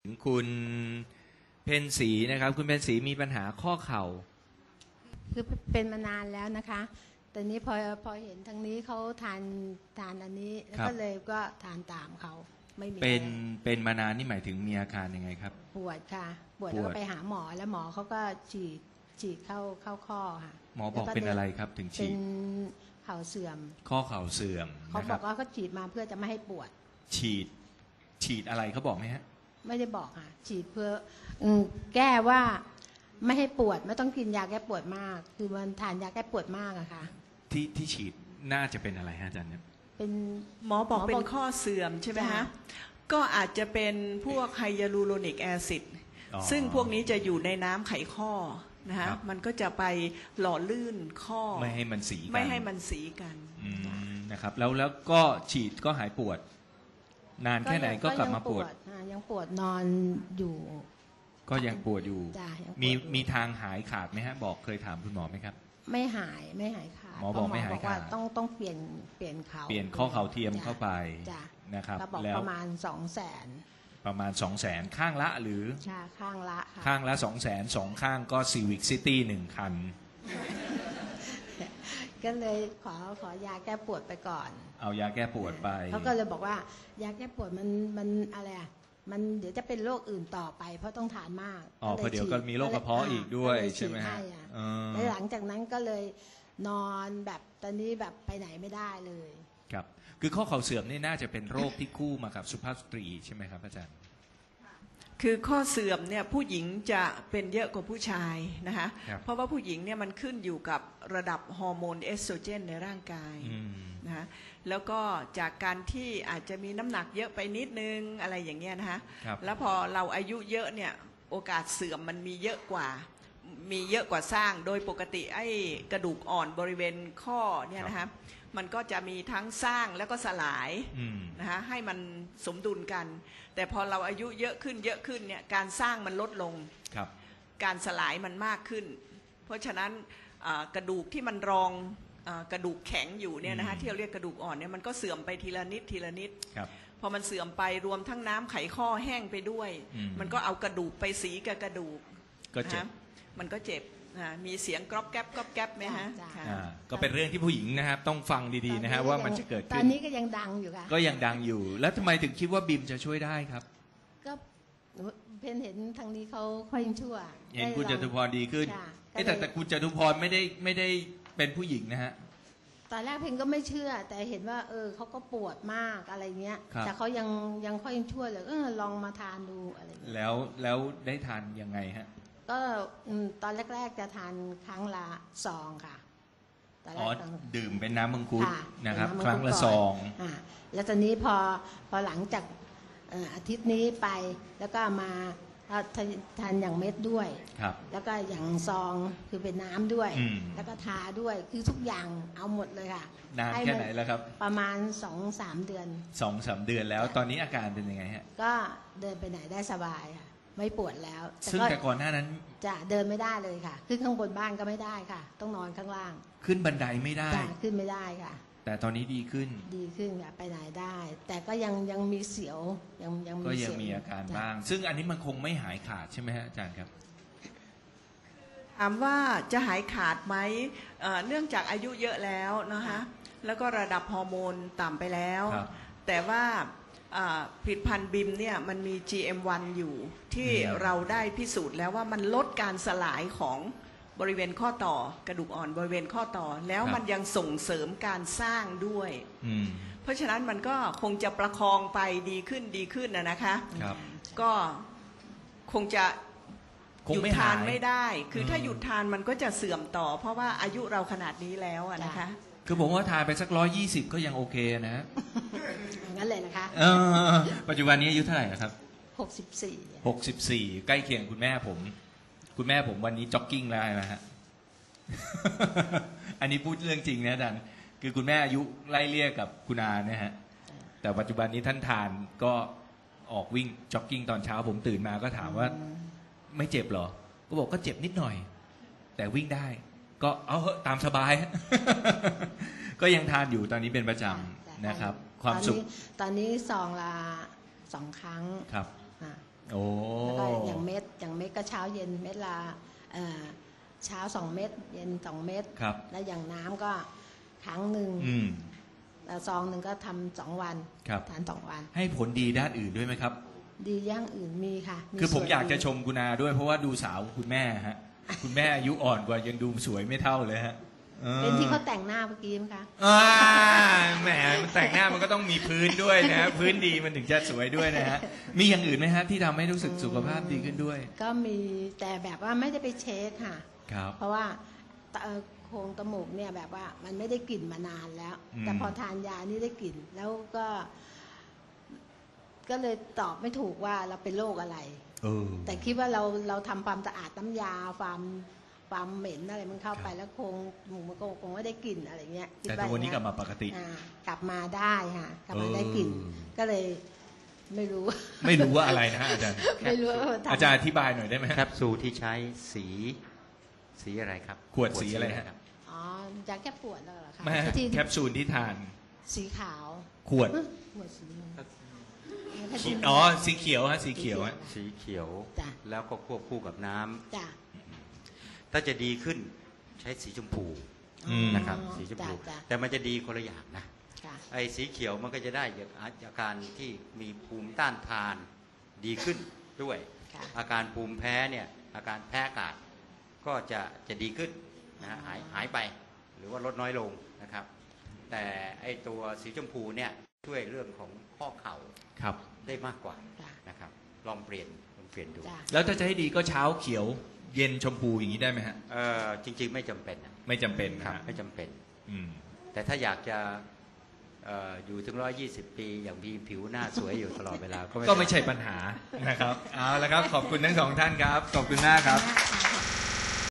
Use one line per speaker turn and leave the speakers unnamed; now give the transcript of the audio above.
คุณเพ็ญศรีนะครับคุณเพ็ญศรีมีปัญหาข้อเข่า
คือเป็นมานานแล้วนะคะแต่นี้พอเห็นทางนี้เขาทานอันนี้แล้วก็เลยก็ทานตามเขาไม่มี
เป็นมานานนี่หมายถึงมีอาการยังไงครับ
ปวดค่ะปวดแล้วก็ไปหาหมอแล้วหมอเขาก็ฉีดเข้าข้อค่ะ
หมอบอกเป็นอะไรครับถึงฉีด
เป็นเข่าเสื่อม
ข้อเข่าเสื่อม
เขาบอกว่าเขาฉีดมาเพื่อจะไม่ให้ปวด
ฉีดอะไรเขาบอกไหมฮะ
ไม่ได้บอกค่ะฉีดเพื่อแก้ว่าไม่ให้ปวดไม่ต้องกินยาแก้ปวดมากคือมันทานยาแก้ปวดมากอะค่ะ
ที่ฉีดน่าจะเป็นอะไรฮะอาจารย์
เป็นหมอบอกเป็นข้อเสื่อมใช่ไหมฮะก็อาจจะเป็นพวกไฮยาลูโรนิกแอซิดซึ่งพวกนี้จะอยู่ในน้ำไขข้อนะฮะมันก็จะไปหล่อลื่นข้อ
ไม่ให้มันสี
กัน
นะครับแล้วก็ฉีดก็หายปวดนานแค่ไหนก็กลับมาปวด
ยังปวดนอนอยู่
ก็ยังปวดอยู่มีทางหายขาดไหมฮะบอกเคยถามคุณหมอไหมครับ
ไม่หายขาด
หมอบอกไม่หายขาด
ต้องเปลี่ยนเข่า
เปลี่ยนข้อเข่าเทียมเข้าไปนะครับ
แล้วประมาณ200,000
ประมาณ 200,000 ข้างละหรือ
ข้างละ
200,000 2ข้างก็ Civic City 1 คัน
ก็เลยขอยาแก้ปวดไปก่อน
เอายาแก้ปวดไป
เขาก็เลยบอกว่ายาแก้ปวดมันอะไรอ่ะมันเดี๋ยวจะเป็นโรคอื่นต่อไปเพราะต้องทานมาก
เพราะเดี๋ยวก็มีโรคกระเพาะอีกด้วยใช่ไหมฮะ
แล้วหลังจากนั้นก็เลยนอนแบบตอนนี้แบบไปไหนไม่ได้เลย
ครับคือข้อเข่าเสื่อมนี่น่าจะเป็นโรคที่คู่มากับสุภาพสตรีใช่ไหมครับอาจารย์
คือข้อเสื่อมเนี่ยผู้หญิงจะเป็นเยอะกว่าผู้ชายนะคะเพราะว่าผู้หญิงเนี่ยมันขึ้นอยู่กับระดับฮอร์โมนเอสโตรเจนในร่างกายนะคะแล้วก็จากการที่อาจจะมีน้ำหนักเยอะไปนิดนึงอะไรอย่างเงี้ยนะคะแล้วพอเราอายุเยอะเนี่ยโอกาสเสื่อมมันมีเยอะกว่าสร้างโดยปกติไอ้กระดูกอ่อนบริเวณข้อเนี่ยนะคะมันก็จะมีทั้งสร้างแล้วก็สลายนะคะให้มันสมดุลกันแต่พอเราอายุเยอะขึ้นเนี่ยการสร้างมันลดลงการสลายมันมากขึ้นเพราะฉะนั้นกระดูกที่มันรองกระดูกแข็งอยู่เนี่ยนะคะที่เราเรียกกระดูกอ่อนเนี่ยมันก็เสื่อมไปทีละนิดพอมันเสื่อมไปรวมทั้งน้ำไขข้อแห้งไปด้วยมันก็เอากระดูกไปสีกับกระดูก
ก็เจ็บ
มันก็เจ็บมีเสียงกรอบแก๊บไหมฮะ
ก็เป็นเรื่องที่ผู้หญิงนะครับต้องฟังดีๆนะฮะว่ามันจะเกิดขึ้น
ตอนนี้ก็ยังดังอยู่ค่ะ
ก็ยังดังอยู่แล้วทำไมถึงคิดว่าบิมจะช่วยได้ครับ
ก็เพนเห็นทางนี้เขาค่อยชั่ว
เห็นคุณจตุพรดีขึ้นแต่คุณจตุพรไม่ได้เป็นผู้หญิงนะฮะ
ตอนแรกเพนก็ไม่เชื่อแต่เห็นว่าเขาก็ปวดมากอะไรเงี้ยแต่เขายังค่อยชั่วเลยลองมาทานดูอะไร
แล้วได้ทานยังไงฮะ
ก็ตอนแรกๆจะทานครั้งละ2ค่ะ
ดื่มเป็นน้ำมังคุดนะครับครั้งละ2
แล้วตอนนี้พอหลังจากอาทิตย์นี้ไปแล้วก็มาทานอย่างเม็ดด้วยแล้วก็อย่างซองคือเป็นน้ำด้วยแล้วก็ทาด้วยคือทุกอย่างเอาหมดเลยค่ะ
นานแค่ไหนแล้วครับ
ประมาณ 2-3 เดือน
2-3 เดือนแล้วตอนนี้อาการเป็นยังไงฮะ
ก็เดินไปไหนได้สบายค่ะไม่ปวดแล้ว
ซึ่งแต่ก่อนหน้านั้น
จะเดินไม่ได้เลยค่ะขึ้นข้างบนบ้านก็ไม่ได้ค่ะต้องนอนข้างล่าง
ขึ้นบันไดไม่ได้
ขึ้นไม่ได้ค่ะ
แต่ตอนนี้ดีขึ้น
ค่ะไปไหนได้แต่ก็ยังมีเสียวยัง
ก็ยังมีอาการบ้างซึ่งอันนี้มันคงไม่หายขาดใช่ไหมฮะอาจารย์ครับ
ถามว่าจะหายขาดไหมเนื่องจากอายุเยอะแล้วนะคะแล้วก็ระดับฮอร์โมนต่ำไปแล้วแต่ว่าผลิตภัณฑ์บิมเนี่ยมันมี GM1 อยู่ที่เราได้พิสูจน์แล้วว่ามันลดการสลายของบริเวณข้อต่อกระดูกอ่อนบริเวณข้อต่อแล้วมันยังส่งเสริมการสร้างด้วยเพราะฉะนั้นมันก็คงจะประคองไปดีขึ้นนะคะก็คงจะหยุดทานไม่ได้คือถ้าหยุดทานมันก็จะเสื่อมต่อเพราะว่าอายุเราขนาดนี้แล้วนะคะ
คือผมว่าทานไปสัก120ก็ยังโอเคนะ
งั้นเลยนะคะ
ปัจจุบันนี้อายุเท่าไหร่ครับ
64
ใกล้เคียงคุณแม่ผมวันนี้จ็อกกิ้งแล้วนะฮะอันนี้พูดเรื่องจริงนะอาจารย์คือคุณแม่อายุไล่เลี่ยกับคุณอาเนี่ยฮะแต่ปัจจุบันนี้ท่านทานก็ออกวิ่งจ็อกกิ้งตอนเช้าผมตื่นมาก็ถามว่าไม่เจ็บหรอก็บอกก็เจ็บนิดหน่อยแต่วิ่งได้ก็เอาเหอะตามสบาย ก็ยังทานอยู่ตอนนี้เป็นประจำนะครับความสุข
ตอนนี้ซองละ2 ครั้ง
ครับโอ้
แล้วก็อย่างเม็ดก็เช้าเย็นเม็ดละเช้า2 เม็ดเย็น2 เม็ด
ครับ
แล้วอย่างน้ำก็ครั้งหนึ่ง
อืม
แล้วซองหนึ่งก็ทำ2 วัน
ครับ
ทาน2 วัน
ให้ผลดีด้านอื่นด้วยไหมครับ
ดีอย่างอื่นมีค่ะ
คือผม
ส่วน
อยากจะ
ดี
ชมคุณอาด้วยเพราะว่าดูสาวคุณแม่ฮะ คุณแม่อายุอ่อนกว่ายังดูสวยไม่เท่าเลยฮะออ
เป็นที่เขาแต่งหน้าเมื่อกี้มั้งคะ
อ่าแหมมันแต่งหน้ามันก็ต้องมีพื้นด้วยนะฮะพื้นดีมันถึงจะสวยด้วยนะฮะมีอย่างอื่นไหมฮะที่ทำให้รู้สึกสุขภาพดีขึ้นด้วย
ก็มีแต่แบบว่าไม่ได้ไปเช็คค่ะ
ครับ
เพราะว่าโครงจมูกเนี่ยแบบว่ามันไม่ได้กลิ่นมานานแล้ว
อืม
แต่พอทานยานี่ได้กลิ่นแล้วก็เลยตอบไม่ถูกว่าเราเป็นโรคอะไร
เออ
แต่คิดว่าเราทำความสะอาดน้ำยาความเหม็นอะไรมันเข้าไปแล้วคงหมูมันคงไม่ได้กลิ่นอะไรเงี้ยคิด
แต่ตัวนี้กลับ
อย่ง
มาปกติ
กลับมาได้ค่ะกลับมาได้กลิ่น
เออ
ก็เลยไม่รู้
ไม่รู้ว่าอะไรนะฮะอาจารย์
ไม่รู้ว่าทำ
อาจารย์อธิบายหน่อยได้ไหม
แค
ฮะ
ปซูลที่ใช้สีอะไรครับ
ขวดสีอะไรฮะ
ครับ
อ๋อยาแก้ปวดแล้วเหรอคะ
ไม่ฮะ
ที่
แคปซูลที่ทาน
สีขาว
ขวด
ขวดสีม่วง
อ๋อสีเขียวฮะสีเขียวฮะ
สีเขียว
จ้ะ
แล้วก็ควบคู่กับน้ำ
จ้ะ
ถ้าจะดีขึ้นใช้สีชมพู
อืม
นะครับ สีชมพู
จ้ะ
แต่มันจะดีคนละอย่างนะ
จ้ะ
ไอ้สีเขียวมันก็จะได้อาการที่มีภูมิต้านทานดีขึ้นด้วย
ค่ะ
อาการภูมิแพ้เนี่ยอาการแพ้อากาศก็จะดีขึ้นนะฮะหายไปหรือว่าลดน้อยลงนะครับ แต่ไอ้ตัวสีชมพูเนี่ยช่วยเรื่องของข้อเข่า
ครับ
ได้มากกว่า
จ้ะ
นะครับลองเปลี่ยนดู
จ้ะ
แล้วถ้าจะให้ดีก็เช้าเขียว เย็นชมพูอย่างนี้ได้ไหมฮะ
จริงๆไม่จำเป็นนะ
ไม่จำเป็น
ครับ
นะฮะ
ไม่จำเป็น
อืม
แต่ถ้าอยากจะอยู่ถึง120 ปีอย่างมีผิวหน้าสวยอยู่ตลอดเวลา
ก็ไม่ใช่ปัญหานะครับ เอาละครับ ขอบคุณทั้งสองท่านครับ ขอบคุณมากครับ
ค่ะ